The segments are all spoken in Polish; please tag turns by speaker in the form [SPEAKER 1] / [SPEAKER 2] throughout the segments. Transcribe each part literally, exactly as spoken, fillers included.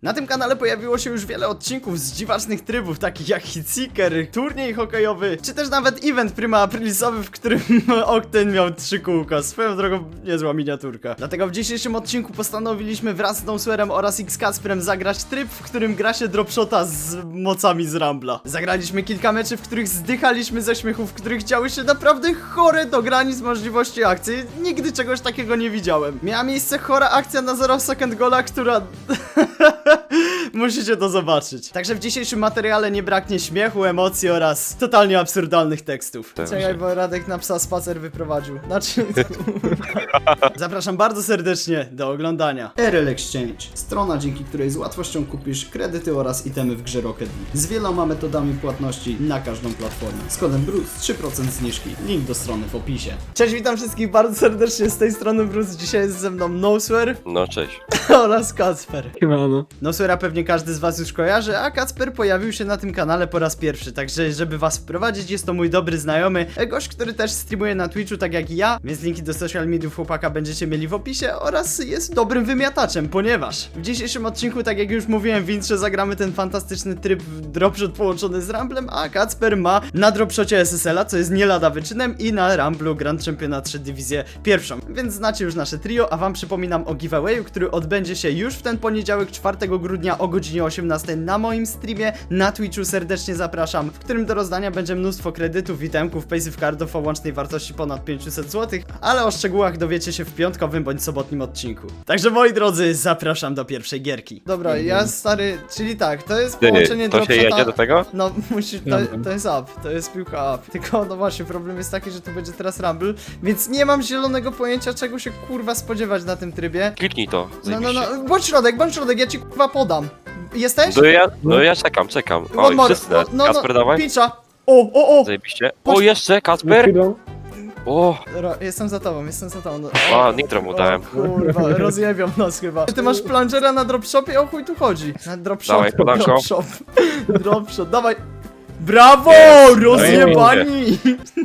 [SPEAKER 1] Na tym kanale pojawiło się już wiele odcinków z dziwacznych trybów, takich jak Hitseeker, turniej hokejowy, czy też nawet event Prima Aprilisowy, w którym Octane miał trzy kółka. Swoją drogą niezła miniaturka. Dlatego w dzisiejszym odcinku postanowiliśmy wraz z Noswerem oraz X-Kacprem zagrać tryb, w którym gra się dropshota z mocami z Rambla. Zagraliśmy kilka meczy, w których zdychaliśmy ze śmiechu, w których działy się naprawdę chore do granic możliwości akcji. Nigdy czegoś takiego nie widziałem. Miała miejsce chora akcja na zero second gola, która... Musicie to zobaczyć. Także w dzisiejszym materiale nie braknie śmiechu, emocji oraz totalnie absurdalnych tekstów. Czekaj, bo Radek na psa spacer wyprowadził. Znaczy... Zapraszam bardzo serdecznie do oglądania. R L Exchange. Strona, dzięki której z łatwością kupisz kredyty oraz itemy w grze Rocket League. Z wieloma metodami płatności na każdą platformę. Z kodem Bruce trzy procent zniżki. Link do strony w opisie. Cześć, witam wszystkich bardzo serdecznie z tej strony Bruce. Dzisiaj jest ze mną Noswer
[SPEAKER 2] No cześć.
[SPEAKER 1] oraz Kacper.
[SPEAKER 3] Siemano.
[SPEAKER 1] Noswera pewnie każdy z was już kojarzy, a Kacper pojawił się na tym kanale po raz pierwszy, także żeby was wprowadzić, jest to mój dobry znajomy, gość, który też streamuje na Twitchu tak jak i ja, więc linki do social mediów chłopaka będziecie mieli w opisie oraz jest dobrym wymiataczem, ponieważ w dzisiejszym odcinku, tak jak już mówiłem w intrze, zagramy ten fantastyczny tryb dropshot połączony z Ramblem, a Kacper ma na dropshocie S S L-a, co jest nie lada wyczynem, i na Ramblu Grand Championat trzy dywizję pierwszą, więc znacie już nasze trio, a wam przypominam o giveawayu, który odbędzie się już w ten poniedziałek, czwartego grudnia o godzinie osiemnastej na moim streamie na Twitchu. Serdecznie zapraszam, w którym do rozdania będzie mnóstwo kredytów, itemków, passive cardów o łącznej wartości ponad pięćset złotych, ale o szczegółach dowiecie się w piątkowym bądź sobotnim odcinku. Także moi drodzy, zapraszam do pierwszej gierki. Dobra, ja stary, czyli tak, to jest
[SPEAKER 2] Ty,
[SPEAKER 1] połączenie
[SPEAKER 2] to się
[SPEAKER 1] dropshota-
[SPEAKER 2] jedzie do tego?
[SPEAKER 1] No, musi, to, to jest up, to jest piłka up. Tylko, no właśnie, problem jest taki, że tu będzie teraz Rumble, więc nie mam zielonego pojęcia, czego się kurwa spodziewać na tym trybie.
[SPEAKER 2] Kliknij to.
[SPEAKER 1] No, no,
[SPEAKER 2] zajebiście.
[SPEAKER 1] no, bądź środek, bądź środek, ja ci kurwa podam. Jesteś?
[SPEAKER 2] No ja, no ja czekam, czekam.
[SPEAKER 1] One
[SPEAKER 2] Oj,
[SPEAKER 1] more.
[SPEAKER 2] wszyscy teraz.
[SPEAKER 1] no,
[SPEAKER 2] Kasper,
[SPEAKER 1] no,
[SPEAKER 2] dawaj.
[SPEAKER 1] Picza. O, o, o!
[SPEAKER 2] Zajebiście.
[SPEAKER 1] Patrz.
[SPEAKER 2] O, jeszcze, Kasper.
[SPEAKER 3] Chwilą.
[SPEAKER 2] O,
[SPEAKER 1] Dobra, jestem za tobą, jestem za tobą. No,
[SPEAKER 2] a, nitro mu dałem.
[SPEAKER 1] O, kurwa, rozjebią nas chyba. Ty masz plungera na dropshopie? O chuj tu chodzi. Na dropshop,
[SPEAKER 2] Dawaj, podanko.
[SPEAKER 1] dropshop, dropshop, dawaj. Brawo!
[SPEAKER 2] Jest.
[SPEAKER 1] Rozjebani!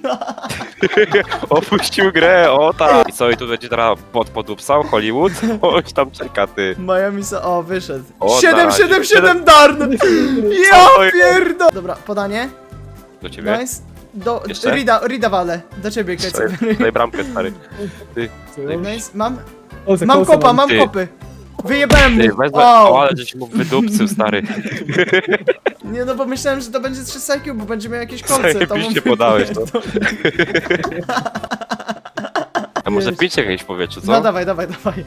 [SPEAKER 2] Opuścił grę, o tak. I co, i tu będzie teraz pod podupsał Hollywood? Oś tam czeka, ty.
[SPEAKER 1] Miami sa... O, wyszedł.
[SPEAKER 2] O,
[SPEAKER 1] siedem,
[SPEAKER 2] tak.
[SPEAKER 1] siedem, siedem darn! Ja
[SPEAKER 2] Oj.
[SPEAKER 1] pierdo... Dobra, podanie.
[SPEAKER 2] Do ciebie?
[SPEAKER 1] Nice. Do...
[SPEAKER 2] Jeszcze?
[SPEAKER 1] Rida, Rida wale. Do ciebie, Kecek.
[SPEAKER 2] Daj bramkę, stary. Ty,
[SPEAKER 1] Nice. Mam...
[SPEAKER 3] O, za
[SPEAKER 1] Mam
[SPEAKER 3] kołsa
[SPEAKER 1] kopa, mam
[SPEAKER 2] Ty.
[SPEAKER 1] kopy. Wyjebałem
[SPEAKER 2] ty,
[SPEAKER 1] mu.
[SPEAKER 2] wezmę.
[SPEAKER 1] O!
[SPEAKER 2] O, ale żeś mu wydupcył, stary.
[SPEAKER 1] Nie no, bo myślałem, że to będzie trzy sekund, bo będzie miał jakieś kolce. to
[SPEAKER 2] Zajebiście
[SPEAKER 1] mówię,
[SPEAKER 2] podałeś to.
[SPEAKER 1] to-
[SPEAKER 2] A może
[SPEAKER 1] Jeźdź.
[SPEAKER 2] pić jakieś w powietrzu, co?
[SPEAKER 1] No dawaj, dawaj, dawaj.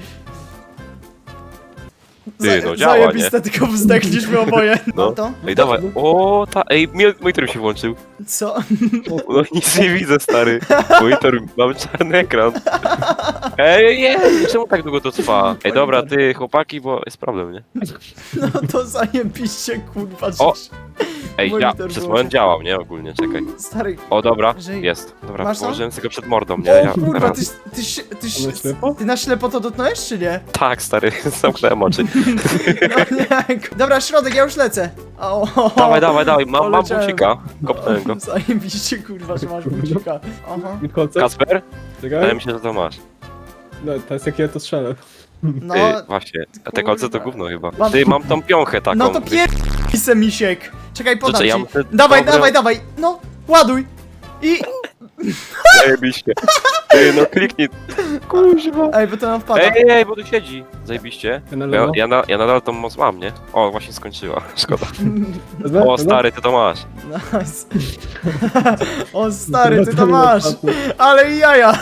[SPEAKER 2] Ty, no działa,
[SPEAKER 1] Zajebiste, tylko wzdechliśmy oboje. No
[SPEAKER 2] No.
[SPEAKER 1] to?
[SPEAKER 2] Ej, dawaj. O, ta, ej, mi- monitor mi się włączył.
[SPEAKER 1] Co?
[SPEAKER 2] No nic nie widzę, stary. Monitor, mam czarny ekran. Ej, nie, czemu tak długo to trwa? Ej, dobra, ty, chłopaki, bo jest problem, nie?
[SPEAKER 1] No to zajebiście, kurwa.
[SPEAKER 2] O!
[SPEAKER 1] żeś-
[SPEAKER 2] Ej, ja,
[SPEAKER 1] Monitor
[SPEAKER 2] przez
[SPEAKER 1] wyłączył.
[SPEAKER 2] moment działał, nie? Ogólnie, czekaj.
[SPEAKER 1] Stary,
[SPEAKER 2] O, dobra,
[SPEAKER 1] Że-
[SPEAKER 2] jest. Dobra,
[SPEAKER 1] Masz to?
[SPEAKER 2] położyłem sobie go przed mordą, nie?
[SPEAKER 1] o
[SPEAKER 2] Ja,
[SPEAKER 1] kurwa,
[SPEAKER 2] teraz-
[SPEAKER 1] ty, ty, się- ty,
[SPEAKER 3] A na
[SPEAKER 1] ty,
[SPEAKER 3] ślepo?
[SPEAKER 1] ty na ślepo to dotknąłeś, czy nie?
[SPEAKER 2] Tak, stary, zamknąłem oczy.
[SPEAKER 1] No nie, ku- dobra, środek, ja już lecę. O,
[SPEAKER 2] Dawaj, dawaj, dawaj, mam, mam
[SPEAKER 1] Poleciałem.
[SPEAKER 2] bucika. Kopnąłem go.
[SPEAKER 1] Zajebiście, kurwa, że masz bucika. Aha.
[SPEAKER 3] I kolce?
[SPEAKER 2] Kasper? Wydaje
[SPEAKER 3] Czekaj.
[SPEAKER 2] mi się, że to masz.
[SPEAKER 3] No, to jest jak ja to strzelę.
[SPEAKER 1] No,
[SPEAKER 2] Ty, właśnie. A te kolce to
[SPEAKER 1] kurwa.
[SPEAKER 2] gówno chyba.
[SPEAKER 1] Mam-
[SPEAKER 2] Ty, mam tą piąchę taką.
[SPEAKER 1] no to pierdolij se misiek. Czekaj, podam
[SPEAKER 2] Znaczy, ja
[SPEAKER 1] ci.
[SPEAKER 2] muszę-
[SPEAKER 1] Dawaj,
[SPEAKER 2] dobra.
[SPEAKER 1] dawaj, dawaj. No, ładuj. I...
[SPEAKER 2] Zajebiście. Ty, no kliknij. Kuźwa.
[SPEAKER 1] Ej, bo to nam wpada.
[SPEAKER 2] Ej, ej, bo tu siedzi. Zajebiście.
[SPEAKER 3] Ja na
[SPEAKER 2] Ja,
[SPEAKER 3] lewo.
[SPEAKER 2] ja, na, ja nadal tą moc mam, nie? O, właśnie skończyła. Szkoda.
[SPEAKER 3] Wezmę?
[SPEAKER 2] O,
[SPEAKER 3] Wezmę?
[SPEAKER 2] stary, ty to masz.
[SPEAKER 1] Nice. O stary, ty to masz. Ale i jaja.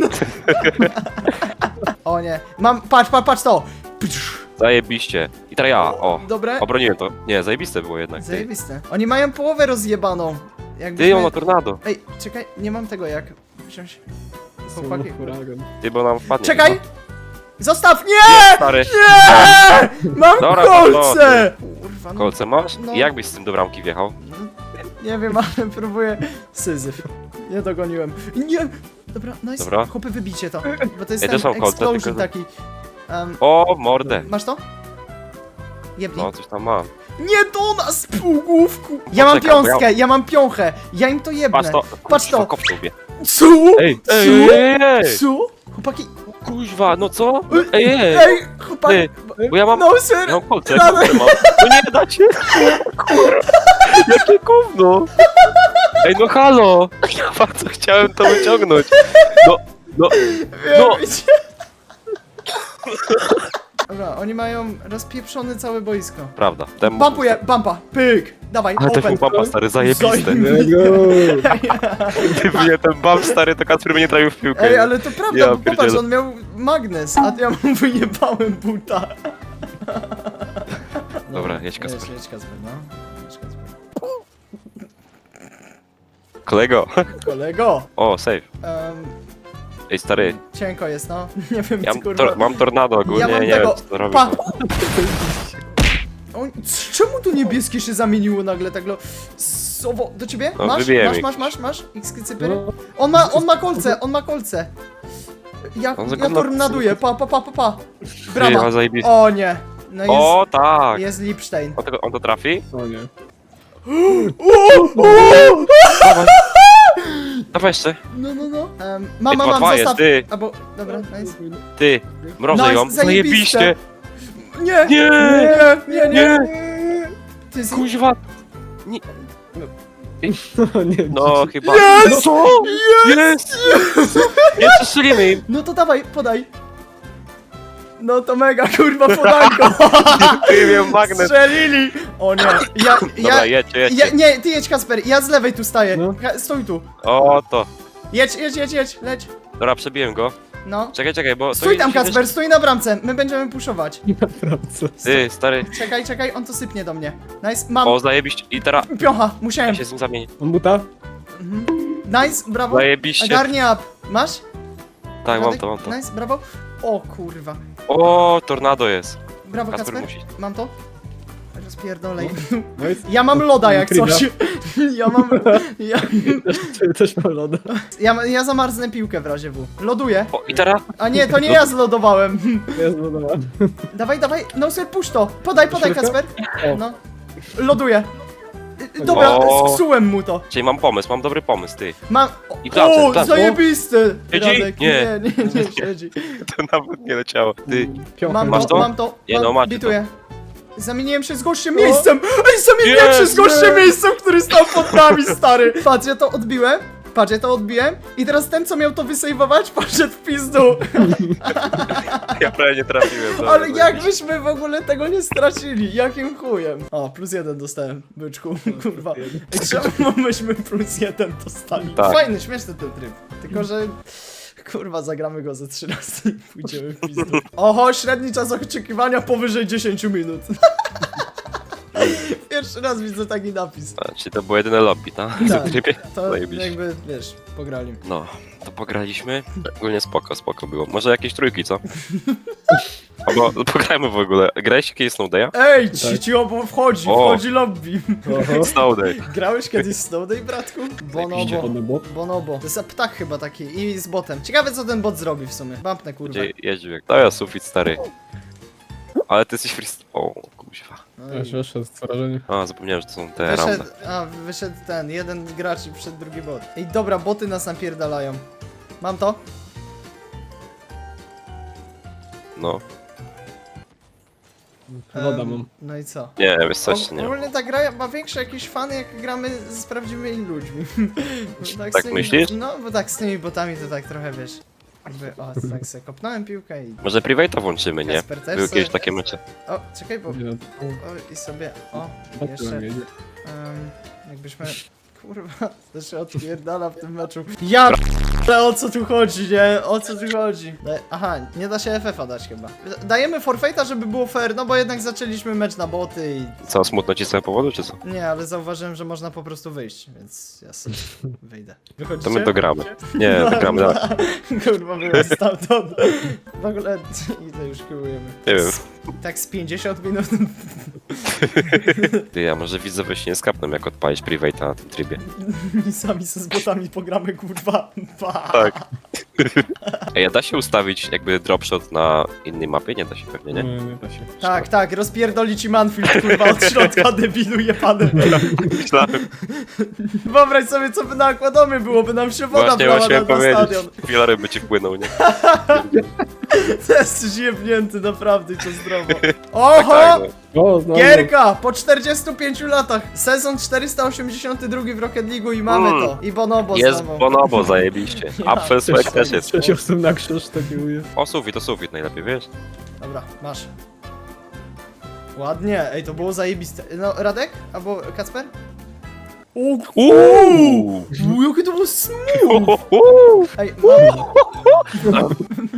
[SPEAKER 1] O nie. Mam, patrz, patrz, patrz to.
[SPEAKER 2] Zajebiście. I teraz ja, o.
[SPEAKER 1] Dobre.
[SPEAKER 2] Obroniłem to. Nie, zajebiste było jednak. Ty,
[SPEAKER 1] Zajebiste. Oni mają połowę rozjebaną.
[SPEAKER 2] ty
[SPEAKER 1] Jakbyśmy...
[SPEAKER 2] on ma tornado.
[SPEAKER 1] Ej, czekaj, nie mam tego jak wziąć. Chłopaki.
[SPEAKER 3] Huragan.
[SPEAKER 2] Ty, bo nam wpadnie.
[SPEAKER 1] Czekaj! Zostaw!
[SPEAKER 2] chyba.
[SPEAKER 1] Nie!
[SPEAKER 2] Stary,
[SPEAKER 1] Nie! Mam
[SPEAKER 2] Dobra,
[SPEAKER 1] kolce! Kurwa, no,
[SPEAKER 2] kolce masz?
[SPEAKER 1] No.
[SPEAKER 2] I jak byś z tym do bramki wjechał?
[SPEAKER 1] nie wiem, ale próbuję. Syzyf. Nie dogoniłem. Nie! Dobra, nice.
[SPEAKER 2] Dobra.
[SPEAKER 1] Chłopy, wybicie to. Bo to jest
[SPEAKER 2] Ej,
[SPEAKER 1] ten
[SPEAKER 2] też mam kolce,
[SPEAKER 1] explosion
[SPEAKER 2] tylko-
[SPEAKER 1] taki. Um,
[SPEAKER 2] O, mordę.
[SPEAKER 1] masz to? Jebnij.
[SPEAKER 2] No, coś tam mam.
[SPEAKER 1] Nie do nas, półgłówku! Ja mam
[SPEAKER 2] Poczekaj, bo ja-
[SPEAKER 1] piąskę, ja mam piąchę. Ja im to jebnę.
[SPEAKER 2] Patrz to.
[SPEAKER 1] Patrz to.
[SPEAKER 2] Kop w łbie.
[SPEAKER 1] Co?
[SPEAKER 2] Ej,
[SPEAKER 1] Co?
[SPEAKER 2] ej, ej, ej.
[SPEAKER 1] Co? Chłopaki,
[SPEAKER 2] Kuźwa, no co? Ej, ej,
[SPEAKER 1] Ej, chłopak!
[SPEAKER 2] ty, bo ja mam...
[SPEAKER 1] No sir!
[SPEAKER 2] Ja mam kolce,
[SPEAKER 1] Rada.
[SPEAKER 2] kolce mam. No nie dacie! Kurwa, jakie gówno! Ej, no halo! Ja bardzo chciałem to wyciągnąć. No, no, no.
[SPEAKER 1] Wiecie. Dobra, oni mają rozpieprzone całe boisko.
[SPEAKER 2] Prawda. Ten...
[SPEAKER 1] Bampuję, bampa, pyk! Dawaj,
[SPEAKER 2] Ale to
[SPEAKER 1] open.
[SPEAKER 2] był bumpa, stary, zajebiste.
[SPEAKER 1] Zajebiste.
[SPEAKER 2] Gdyby nie ten bump, stary, to Kacper by nie trafił w piłkę.
[SPEAKER 1] Ej, ale to prawda,
[SPEAKER 2] Ja
[SPEAKER 1] bo popatrz,
[SPEAKER 2] pierdzielę.
[SPEAKER 1] on miał magnes, a ja mu wyjebałem buta.
[SPEAKER 2] Dobra, jedź, Kacper.
[SPEAKER 1] Jedź, jedź Kacper, no. Jedź Kacper.
[SPEAKER 2] Kolego.
[SPEAKER 1] Kolego!
[SPEAKER 2] O, save.
[SPEAKER 1] Um,
[SPEAKER 2] Ej, stary,
[SPEAKER 1] cienko jest, no. Nie wiem,
[SPEAKER 2] ja
[SPEAKER 1] co
[SPEAKER 2] mam,
[SPEAKER 1] kurwa.
[SPEAKER 2] tor mam tornado ogólnie,
[SPEAKER 1] Ja mam
[SPEAKER 2] nie
[SPEAKER 1] tego-
[SPEAKER 2] wiem, co to robi.
[SPEAKER 1] Pa! O, czemu tu niebieskie się zamieniło nagle tak lo... Sowo, do ciebie?
[SPEAKER 2] No,
[SPEAKER 1] masz,
[SPEAKER 2] wybiłem
[SPEAKER 1] masz,
[SPEAKER 2] ich.
[SPEAKER 1] masz, masz, masz? X-cypery?
[SPEAKER 3] No,
[SPEAKER 1] On ma, on ma kolce, on ma kolce. Ja,
[SPEAKER 2] On
[SPEAKER 1] ja
[SPEAKER 2] zagląda-
[SPEAKER 1] tornaduję, pa, pa, pa, pa, pa.
[SPEAKER 2] Brawa.
[SPEAKER 1] Brawa.
[SPEAKER 2] zajebiste.
[SPEAKER 1] O nie. No jest,
[SPEAKER 2] O, tak.
[SPEAKER 1] jest Lipstein.
[SPEAKER 2] On, tego, on to trafi?
[SPEAKER 3] o nie.
[SPEAKER 2] Dawaj. Dawaj jeszcze.
[SPEAKER 1] No, no, no. Um,
[SPEAKER 2] Ej,
[SPEAKER 1] mama,
[SPEAKER 2] dwa,
[SPEAKER 1] mam,
[SPEAKER 2] dwa
[SPEAKER 1] zostaw.
[SPEAKER 2] jest, ty.
[SPEAKER 1] Albo, dobra, nice.
[SPEAKER 2] Ty, mrożę
[SPEAKER 1] Nice,
[SPEAKER 2] ją.
[SPEAKER 1] zajebiste.
[SPEAKER 2] Zajebiście.
[SPEAKER 1] Nie,
[SPEAKER 2] Nie.
[SPEAKER 1] nie, nie, nie. Ty z...
[SPEAKER 2] Kuźwa.
[SPEAKER 3] No nie,
[SPEAKER 2] No, chyba.
[SPEAKER 1] Jest!
[SPEAKER 2] No co? Jest! Nie przestrzelimy im.
[SPEAKER 1] No to dawaj, podaj. No to mega, kurwa, podanko.
[SPEAKER 2] Ty miałem magnes.
[SPEAKER 1] Strzelili. O nie. Ja, ja,
[SPEAKER 2] Dobra, jedźcie,
[SPEAKER 1] ja,
[SPEAKER 2] jedźcie.
[SPEAKER 1] nie, ty jedź, Kasper, ja z lewej tu staję.
[SPEAKER 3] No.
[SPEAKER 1] Ka- Stój tu.
[SPEAKER 2] O, to.
[SPEAKER 1] Jedź, jedź, jedź, jedź, leć.
[SPEAKER 2] Dobra, przebiłem go.
[SPEAKER 1] No.
[SPEAKER 2] Czekaj, czekaj, bo... to
[SPEAKER 1] Stój tam,
[SPEAKER 2] jedzie-
[SPEAKER 1] Kasper, stój na bramce. My będziemy puszować.
[SPEAKER 3] naprawdę.
[SPEAKER 2] Ty, stary.
[SPEAKER 1] Czekaj, czekaj, on to sypnie do mnie. Nice, mam.
[SPEAKER 2] O, zajebiście. I teraz...
[SPEAKER 1] Piocha,
[SPEAKER 2] Ja
[SPEAKER 1] musiałem.
[SPEAKER 2] się z nim zamienię.
[SPEAKER 3] On buta?
[SPEAKER 1] Nice, brawo.
[SPEAKER 2] Zajebiście.
[SPEAKER 1] Ogarnij up. Masz?
[SPEAKER 2] Tak, mam
[SPEAKER 1] Radek?
[SPEAKER 2] to, mam to.
[SPEAKER 1] Nice, brawo. O kurwa.
[SPEAKER 2] O, tornado jest.
[SPEAKER 1] Brawo,
[SPEAKER 2] Kasper
[SPEAKER 1] Kasper.
[SPEAKER 2] musi.
[SPEAKER 1] Mam to? Rozpierdolej.
[SPEAKER 3] No i
[SPEAKER 1] Ja mam loda jak
[SPEAKER 3] Kryda.
[SPEAKER 1] coś. Ja mam... Ja,
[SPEAKER 3] też, też mam loda.
[SPEAKER 1] ja, ja zamarznę piłkę w razie W. Loduję.
[SPEAKER 2] O, i teraz...
[SPEAKER 1] A nie, to nie ja zlodowałem.
[SPEAKER 3] Jest loda.
[SPEAKER 1] Dawaj, dawaj, no sobie puść to. Podaj, podaj,
[SPEAKER 3] Środka?
[SPEAKER 1] Kasper.
[SPEAKER 3] O.
[SPEAKER 1] No. Loduję. Y, Dobra,
[SPEAKER 2] O.
[SPEAKER 1] zsułem mu to.
[SPEAKER 2] Czyli mam pomysł, mam dobry pomysł, ty.
[SPEAKER 1] Mam...
[SPEAKER 2] I klapce,
[SPEAKER 1] O,
[SPEAKER 2] klapce.
[SPEAKER 1] zajebisty!
[SPEAKER 2] Siedzi?
[SPEAKER 1] Radek,
[SPEAKER 2] Nie.
[SPEAKER 1] nie, nie, nie, siedzi.
[SPEAKER 2] To nawet nie leciało. Ty.
[SPEAKER 3] Piącha.
[SPEAKER 1] Mam
[SPEAKER 2] Masz
[SPEAKER 1] to,
[SPEAKER 2] to?
[SPEAKER 1] mam to.
[SPEAKER 2] Nie,
[SPEAKER 1] mam,
[SPEAKER 2] no, macie
[SPEAKER 1] bituję. Zamieniłem się z gościem miejscem! Ej, zamieniłem się z
[SPEAKER 2] Jest,
[SPEAKER 1] gościem
[SPEAKER 3] nie.
[SPEAKER 1] miejscem, który stał pod nami, stary! Patrz, ja to odbiłem. Patrz, ja to odbiłem. I teraz ten, co miał to wysejwować, poszedł w pizdu.
[SPEAKER 2] Ja prawie nie trafiłem. dobra,
[SPEAKER 1] Ale jak
[SPEAKER 2] zajebiście.
[SPEAKER 1] byśmy w ogóle tego nie stracili? Jakim chujem? O, plus jeden dostałem, byczku, kurwa. Ej, czemu myśmy plus jeden dostali?
[SPEAKER 2] Tak.
[SPEAKER 1] Fajny, śmieszny ten tryb. Tylko, że... Kurwa, zagramy go ze trzy razy i pójdziemy w pizdu. Oho, średni czas oczekiwania powyżej dziesięć minut. Pierwszy raz widzę taki napis.
[SPEAKER 2] A, czyli to było jedyne lobby, tak? W
[SPEAKER 1] Tak.
[SPEAKER 2] tym trybie?
[SPEAKER 1] To
[SPEAKER 2] Zajebiście.
[SPEAKER 1] jakby, wiesz, pograli.
[SPEAKER 2] No, to pograliśmy. Ogólnie spoko, spoko było. Może jakieś trójki, co? Albo pograjmy w ogóle. Grałeś kiedyś Snowday'a?
[SPEAKER 1] Ej, ci, ci obo wchodzi,
[SPEAKER 2] O.
[SPEAKER 1] wchodzi lobby.
[SPEAKER 3] Oho.
[SPEAKER 2] Snowday.
[SPEAKER 1] Grałeś kiedyś Snowday, bratku? Bonobo.
[SPEAKER 3] Bonobo.
[SPEAKER 1] Bonobo. To jest ptak chyba taki i z botem. Ciekawe co ten bot zrobi w sumie. Bampnę kurwa.
[SPEAKER 2] Gdzie jeździł jak... To ja sufit, stary. Ale ty jesteś free... O, kuźwa.
[SPEAKER 1] No i
[SPEAKER 3] Aż wyszedł z wrażenia.
[SPEAKER 2] A, zapomniałem, że to są te
[SPEAKER 1] wyszedł,
[SPEAKER 2] ramne.
[SPEAKER 1] a, wyszedł ten, jeden gracz i przed drugi bot. Ej, dobra, boty nas napierdalają. Mam to?
[SPEAKER 2] No.
[SPEAKER 3] Loda
[SPEAKER 1] Em,
[SPEAKER 3] mam.
[SPEAKER 1] No i co?
[SPEAKER 2] Nie, wiesz coś, nie.
[SPEAKER 1] Ogólnie ta gra ma większe jakieś fany, jak gramy z prawdziwymi ludźmi. Bo
[SPEAKER 2] Tak
[SPEAKER 1] z tymi,
[SPEAKER 2] myślisz?
[SPEAKER 1] No, bo tak z tymi botami to tak trochę, wiesz... Jakby, o, tak sobie kopnąłem piłkę i...
[SPEAKER 2] Może private'a włączymy, nie?
[SPEAKER 1] Kasper też
[SPEAKER 2] Były
[SPEAKER 1] sobie-
[SPEAKER 2] kiedyś takie mecze.
[SPEAKER 1] O, czekaj, bo...
[SPEAKER 3] Nie,
[SPEAKER 1] O, i sobie... O,
[SPEAKER 3] to
[SPEAKER 1] jeszcze...
[SPEAKER 3] nie, nie.
[SPEAKER 1] Um, jakbyśmy... Kurwa, to się odpierdala w tym meczu. Ja ale o co tu chodzi, nie? O co tu chodzi? Da Aha, nie da się F F a dać chyba. Dajemy forfeita, żeby było fair, no bo jednak zaczęliśmy mecz na boty i...
[SPEAKER 2] Co, smutno ci z tego powodu, czy co?
[SPEAKER 1] Nie, ale zauważyłem, że można po prostu wyjść, więc ja sobie wyjdę. Wychodzicie?
[SPEAKER 2] To my dogramy. Nie,
[SPEAKER 1] No,
[SPEAKER 2] dogramy
[SPEAKER 1] no.
[SPEAKER 2] dalej.
[SPEAKER 1] Kurwa, była stamtąd. W ogóle, ile już kiełujemy?
[SPEAKER 2] Nie wiem.
[SPEAKER 1] Tak z pięćdziesiąt minut.
[SPEAKER 2] Ty, a może widzowie się nie skapną, jak odpalić private'a na tym trybie.
[SPEAKER 1] I sami ze z botami pogramy, kurwa. Pa.
[SPEAKER 2] Tak. Ej, a da się ustawić jakby dropshot na innej mapie? Nie da się pewnie, nie?
[SPEAKER 3] Nie, nie da się.
[SPEAKER 1] Tak, tak, rozpierdoli ci Manfield, kurwa, od środka, debilu jebany.
[SPEAKER 2] Myślałem,
[SPEAKER 1] Wyobraź sobie, co by na Aquadomie było, by nam się woda
[SPEAKER 2] właśnie,
[SPEAKER 1] wlała
[SPEAKER 2] właśnie
[SPEAKER 1] na, na
[SPEAKER 2] powiedzieć.
[SPEAKER 1] stadion.
[SPEAKER 2] Wieloryb by ci wpłynął, nie?
[SPEAKER 1] To jest jebnięty naprawdę i to zdrowo. Oho!
[SPEAKER 2] Tak, no.
[SPEAKER 3] O, znowu.
[SPEAKER 1] Gierka! Po czterdziestu pięciu latach! Sezon czterysta osiemdziesiąty drugi w Rocket League'u i mamy
[SPEAKER 2] Mm.
[SPEAKER 1] to. I Bonobo
[SPEAKER 2] Jest
[SPEAKER 1] znowu.
[SPEAKER 2] Bonobo, zajebiście.
[SPEAKER 1] Ja
[SPEAKER 2] Apfel Swag też jest.
[SPEAKER 3] Sześć osób na krzyż taki uje.
[SPEAKER 2] O, sufit, to sufit najlepiej, wiesz?
[SPEAKER 1] Dobra, masz. Ładnie, ej, to było zajebiste. No, Radek? Albo Kacper? O,
[SPEAKER 2] Uuu!
[SPEAKER 1] u, jakie to było smooth! Ej, mam...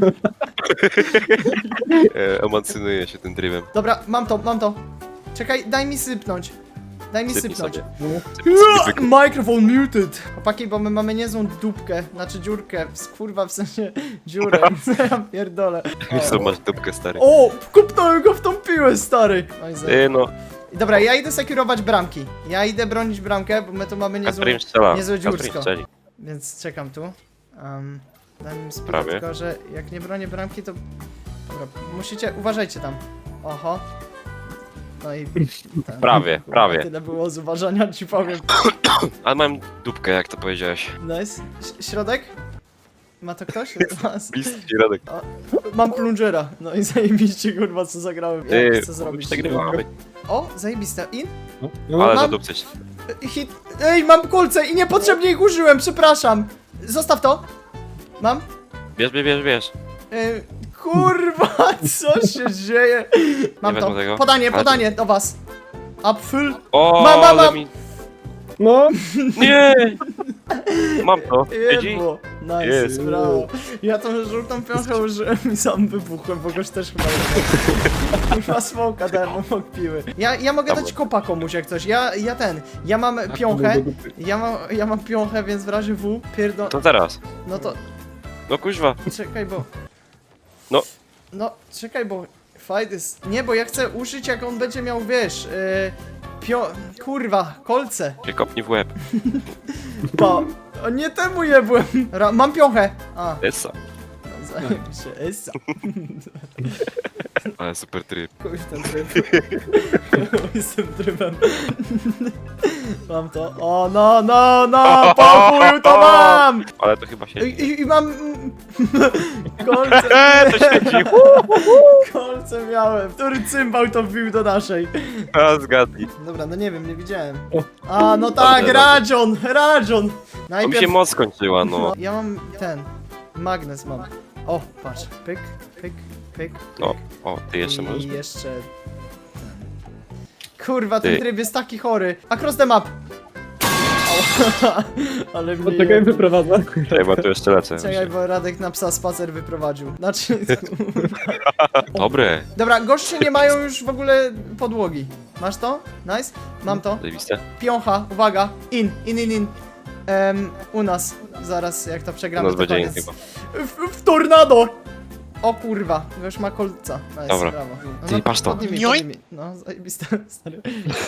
[SPEAKER 2] E, Emocjonuje się tym trybem.
[SPEAKER 1] Dobra, mam to, mam to. Czekaj, daj mi sypnąć. Daj mi
[SPEAKER 2] Sypnij
[SPEAKER 1] sypnąć.
[SPEAKER 2] sobie.
[SPEAKER 1] Microphone muted! Chłopaki, bo my mamy niezłą dupkę, znaczy dziurkę, kurwa w sensie dziurę, ja pierdolę.
[SPEAKER 2] Co masz dupkę, stary?
[SPEAKER 1] O, kupnąłem go w tą piłę, stary! No i za...
[SPEAKER 2] Ty no,
[SPEAKER 1] Dobra, ja idę sekurować bramki. Ja idę bronić bramkę, bo my tu mamy niezłą,
[SPEAKER 2] Kasper im strzela.
[SPEAKER 1] niezłe
[SPEAKER 2] Kasper im
[SPEAKER 1] dziursko.
[SPEAKER 2] strzeli.
[SPEAKER 1] Więc czekam tu. Um, daj mi sprawę,
[SPEAKER 2] Prawie.
[SPEAKER 1] tylko że jak nie bronię bramki, to... Dobra, musicie, uważajcie tam. Oho. No i... ten.
[SPEAKER 2] Prawie, prawie.
[SPEAKER 1] Tyle było z uważania, ci powiem.
[SPEAKER 2] Ale mam dupkę, jak to powiedziałeś.
[SPEAKER 1] Nice. Ś- środek? Ma to ktoś? Was?
[SPEAKER 2] Bliski środek.
[SPEAKER 1] Mam plungera. No i zajebiście, kurwa, co zagrałem. Ja
[SPEAKER 2] Ty,
[SPEAKER 1] chcę zrobić.
[SPEAKER 2] przegrywamy.
[SPEAKER 1] O, zajebiste. In?
[SPEAKER 3] No, no,
[SPEAKER 2] Ale
[SPEAKER 1] mam-
[SPEAKER 2] zadupcyć.
[SPEAKER 1] Hit. Ej, mam kulce i niepotrzebnie ich użyłem, przepraszam. Zostaw to. Mam.
[SPEAKER 2] Bierz, bierz, bierz, bierz.
[SPEAKER 1] Ej, kurwa, co się dzieje? Mam
[SPEAKER 2] Nie
[SPEAKER 1] to.
[SPEAKER 2] wezmę tego.
[SPEAKER 1] Podanie,
[SPEAKER 2] Ale
[SPEAKER 1] podanie do was. Apfel.
[SPEAKER 2] O,
[SPEAKER 1] Mam, mam,
[SPEAKER 2] ale
[SPEAKER 1] mam.
[SPEAKER 2] mi...
[SPEAKER 3] no.
[SPEAKER 2] Nie! Mam to. Widzi?
[SPEAKER 1] Jebło. Nice,
[SPEAKER 2] Jest.
[SPEAKER 1] brawo. Ja tą żółtą piąchę użyłem i sam wybuchłem, bo goś też chyba nie. Kurwa smoka dałem obok piły. Ja, ja mogę
[SPEAKER 2] Dobra.
[SPEAKER 1] dać kopa komuś jak coś. Ja, ja ten. Ja mam piąchę.
[SPEAKER 3] do dupy.
[SPEAKER 1] Ja mam, ja mam piąchę, więc w razie W pierdol...
[SPEAKER 2] To teraz.
[SPEAKER 1] No to
[SPEAKER 2] No kuźwa.
[SPEAKER 1] czekaj, bo...
[SPEAKER 2] No.
[SPEAKER 1] No, czekaj, bo... Fight jest... Nie, bo ja chcę użyć jak on będzie miał, wiesz... Yy, pio... Kurwa, kolce.
[SPEAKER 2] Się kopnij w łeb.
[SPEAKER 1] Pa. O, nie temu jebłem. Ra mam piąchę. A,
[SPEAKER 2] Essa.
[SPEAKER 1] zajebiście. Essa.
[SPEAKER 2] Ale super tryb.
[SPEAKER 1] Chuj w ten tryb. Chuj z tym trybem. Mam to. O, no, no, no, po chuju to mam!
[SPEAKER 2] Ale to chyba się...
[SPEAKER 1] I, i, i mam... Kolce.
[SPEAKER 2] Eee, to świeci.
[SPEAKER 1] Kolce miałem. Który cymbał to wbił do naszej?
[SPEAKER 2] A, zgadnij.
[SPEAKER 1] Dobra, no nie wiem, nie widziałem.
[SPEAKER 3] O.
[SPEAKER 1] A, no tak,
[SPEAKER 2] Dobra,
[SPEAKER 1] Radzion, Radzion.
[SPEAKER 2] To mi
[SPEAKER 1] Najpierw...
[SPEAKER 2] się moc skończyła, no.
[SPEAKER 1] Ja mam ten... Magnes mam. O, patrz. Pyk, pyk, pyk.
[SPEAKER 2] O, o, ty jeszcze możesz?
[SPEAKER 1] I jeszcze... ten. Kurwa, ten
[SPEAKER 2] Ty.
[SPEAKER 1] tryb jest taki chory. Across the map! Au. Ale mnie...
[SPEAKER 3] Poczekaj, wyprowadzę.
[SPEAKER 2] Czekaj, bo tu jeszcze lecę.
[SPEAKER 1] Czekaj, bo Radek na psa spacer wyprowadził. Znaczy...
[SPEAKER 2] Dobre.
[SPEAKER 1] Dobra, goście nie mają już w ogóle podłogi. Masz to? Nice. Mam to.
[SPEAKER 2] Zajebiste.
[SPEAKER 1] Piącha, uwaga. In, in, in, in. Em, u nas. Zaraz, jak to
[SPEAKER 2] U
[SPEAKER 1] przegramy,
[SPEAKER 2] nas
[SPEAKER 1] to
[SPEAKER 2] będzie in
[SPEAKER 1] koniec.
[SPEAKER 2] chyba.
[SPEAKER 1] W, w tornado! O kurwa, już ma kolca. Nice,
[SPEAKER 2] Dobra.
[SPEAKER 1] brawo. No,
[SPEAKER 2] Ty,
[SPEAKER 1] no,
[SPEAKER 2] patrz to.
[SPEAKER 1] podnij mi, podnij mi. No, zajebiste, stary.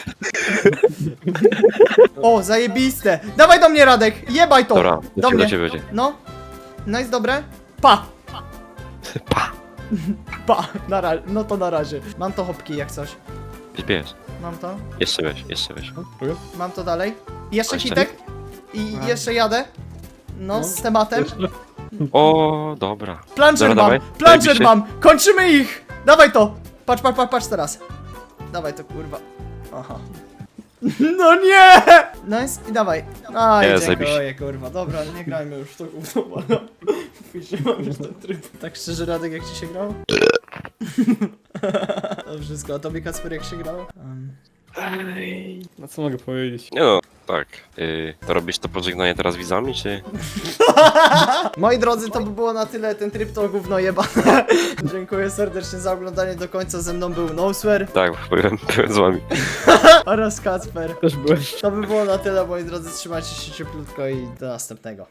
[SPEAKER 1] O, zajebiste! Dawaj do mnie, Radek! Jebaj to!
[SPEAKER 2] Dobra,
[SPEAKER 1] do
[SPEAKER 2] do ciebie,
[SPEAKER 1] mnie.
[SPEAKER 2] do ciebie będzie.
[SPEAKER 1] No. Nice, dobre. Pa!
[SPEAKER 2] Pa!
[SPEAKER 1] Pa! Na ra- no to na razie. Mam to hopki jak coś.
[SPEAKER 2] Bierz, bierz.
[SPEAKER 1] Mam to.
[SPEAKER 2] Jeszcze weź, jeszcze weź.
[SPEAKER 1] Mam to dalej. I jeszcze
[SPEAKER 2] Jeszcze?
[SPEAKER 1] hitek. I
[SPEAKER 3] A.
[SPEAKER 1] jeszcze jadę. No,
[SPEAKER 3] No.
[SPEAKER 1] z tematem.
[SPEAKER 2] O, dobra.
[SPEAKER 1] Plunger
[SPEAKER 2] Dobra,
[SPEAKER 1] mam!
[SPEAKER 2] dawaj.
[SPEAKER 1] Plunger
[SPEAKER 2] Zajebiście.
[SPEAKER 1] mam! Kończymy ich! Dawaj to! Patrz, patrz, patrz, patrz teraz. Dawaj to, kurwa. Aha. No nie! Nice i dawaj. Aj,
[SPEAKER 2] Nie,
[SPEAKER 1] dziękuję,
[SPEAKER 2] zajebiście.
[SPEAKER 1] kurwa. Dobra, nie grajmy już w to gówno, ale... Później mam już ten tryb. Tak szczerze, Radek, jak ci się grało? To wszystko. A tobie, Kacper, jak się grało? Um.
[SPEAKER 3] No co mogę powiedzieć?
[SPEAKER 2] Nie no, tak. Yy, to robisz to pożegnanie teraz widzami, czy?
[SPEAKER 1] Moi drodzy, to by było na tyle. Ten tryb to gówno jebane. Dziękuję serdecznie za oglądanie do końca. Ze mną był Noswer
[SPEAKER 2] Tak, byłem, byłem z wami.
[SPEAKER 1] oraz Kacper.
[SPEAKER 3] Też byłem.
[SPEAKER 1] To by było na tyle, moi drodzy. Trzymajcie się cieplutko i do następnego.